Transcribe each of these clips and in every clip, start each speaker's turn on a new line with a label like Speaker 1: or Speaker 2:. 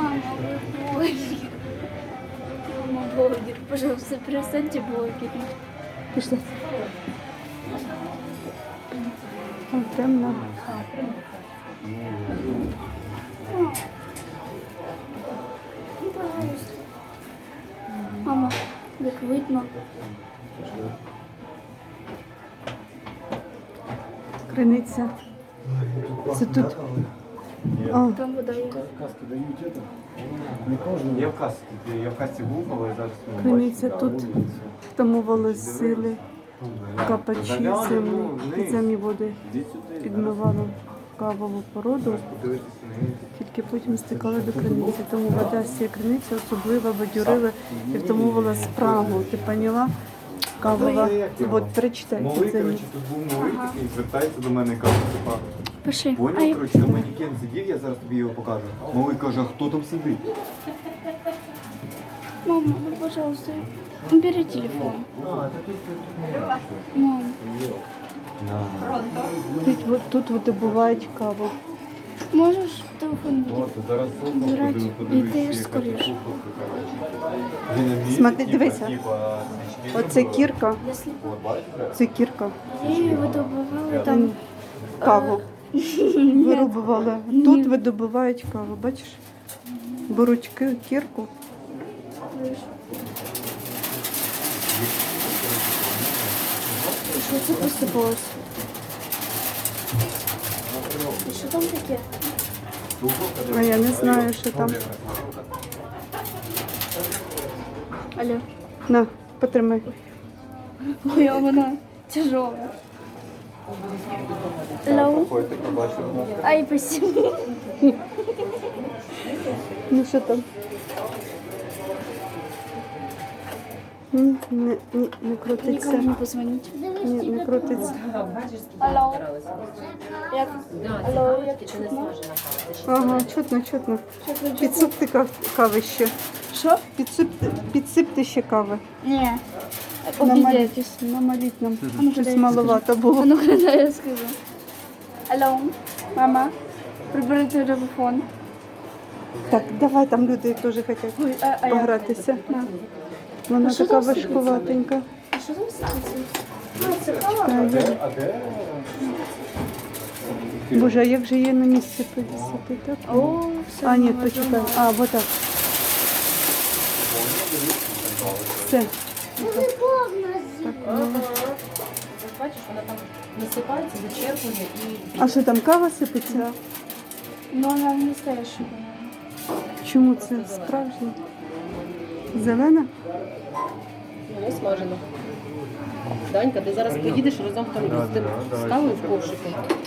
Speaker 1: Мама, вы блогер. Мама, блогер. Пожалуйста, перестаньте блогерить.
Speaker 2: Пішли. О, темно.
Speaker 1: Ну, пожалуйста. Мама, как видно.
Speaker 2: Криниця. Це тут. О,
Speaker 1: Там вода є.
Speaker 3: Каски дають это? Не кожному.
Speaker 4: Я в касті був, але зараз не
Speaker 2: криниця
Speaker 4: бачу.
Speaker 2: тут. Втамували сили. Капачі землі. Підземні води
Speaker 4: Іди сюди.
Speaker 2: підмивали кавову породу.
Speaker 4: Подивитися на неї.
Speaker 2: Тільки потім стикали до криниці. Тому вода з цієї криниці особливо бадьорила і втамувала спрагу. Ти поняла? Кавова. От, перечитай.
Speaker 4: Малий,
Speaker 2: підземні.
Speaker 4: коротше, тут був малий такий, звертається до мене і каже, типа,
Speaker 1: Пошли.
Speaker 4: поняв, коротше, на манекен сидів, я зараз тобі його покажу. Малий каже, а хто там сидить?
Speaker 1: Мама, ну, пожалуйста, убери телефон. Мам,
Speaker 2: Тут видобувають каву.
Speaker 1: можешь телефон
Speaker 4: От, зараз
Speaker 1: убирать? И ты скорее.
Speaker 2: Смотри, дивися. Оце кірка.
Speaker 1: Если
Speaker 2: Це кірка.
Speaker 1: я ее выдобывала, там
Speaker 2: Каву. Вирубували. Тут видобувають каву, бачиш? Беруть кірку.
Speaker 1: что это посыпалось? И что там такие?
Speaker 2: А я не знаю, що там.
Speaker 1: Алло.
Speaker 2: На, потримай.
Speaker 1: Ой, а она тяжелая. Алло. Ай, спасибо.
Speaker 2: Ну що там? Не крутиться.
Speaker 1: Никому не позвонить.
Speaker 2: Ні, не крутиться.
Speaker 1: Алло. Алло, я чутно.
Speaker 2: Ага, чутно. Підсипти кави ще.
Speaker 1: Что?
Speaker 2: Підсипти ще кави.
Speaker 1: Не.
Speaker 2: Намаліть, намаліть нам. Щось
Speaker 1: дай.
Speaker 2: маловато було.
Speaker 1: А ну когда я скажу. Алло, мама, прибери телефон.
Speaker 2: Так, давай, там люди теж хочуть
Speaker 1: Ой, а я.
Speaker 2: погратися. На. Вона
Speaker 1: що
Speaker 2: така
Speaker 1: там сидить?
Speaker 2: важкуватенька.
Speaker 1: А що там станція?
Speaker 2: Боже, а як же її на місці повісити, так?
Speaker 1: О, все.
Speaker 2: А, ні, почекай. А, вот так. Все.
Speaker 5: Бачиш, вона там насипається, зачерпує і
Speaker 2: А що там, кава сипеться?
Speaker 1: Ну, вона не настоящая.
Speaker 2: Чому це справжня? Зелена?
Speaker 5: не смажено. Данька, ти зараз поїдеш разом там з тим з кавою в ковшику.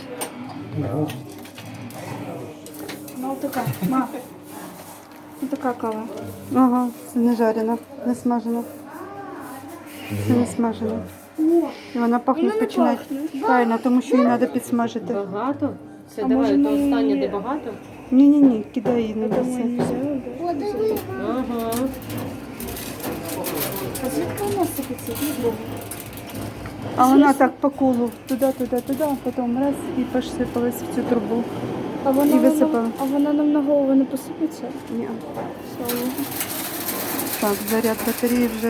Speaker 1: Ну, така, ма. Ну, така кава.
Speaker 2: Ага, це не жарена, не смажена. Це не смажена. І вона пахне
Speaker 1: Вона не
Speaker 2: починає.
Speaker 1: пахне.
Speaker 2: Правильно, тому що її треба підсмажити.
Speaker 5: Багато? Все,
Speaker 1: А
Speaker 5: давай,
Speaker 1: може
Speaker 5: то
Speaker 1: ми
Speaker 5: останнє,
Speaker 1: її-
Speaker 5: де багато.
Speaker 2: Ні, кидай її на
Speaker 1: Ми не
Speaker 2: місце.
Speaker 1: взяли, да?
Speaker 5: Ага.
Speaker 1: А звідки вона сипеться? Богу.
Speaker 2: А вона так по колу, туди, а потім раз і посипалась в цю трубу.
Speaker 1: А вона,
Speaker 2: І висипала.
Speaker 1: А вона нам на голову не посипеться?
Speaker 2: Ні.
Speaker 1: Слава Богу.
Speaker 2: Так, заряд батареї вже.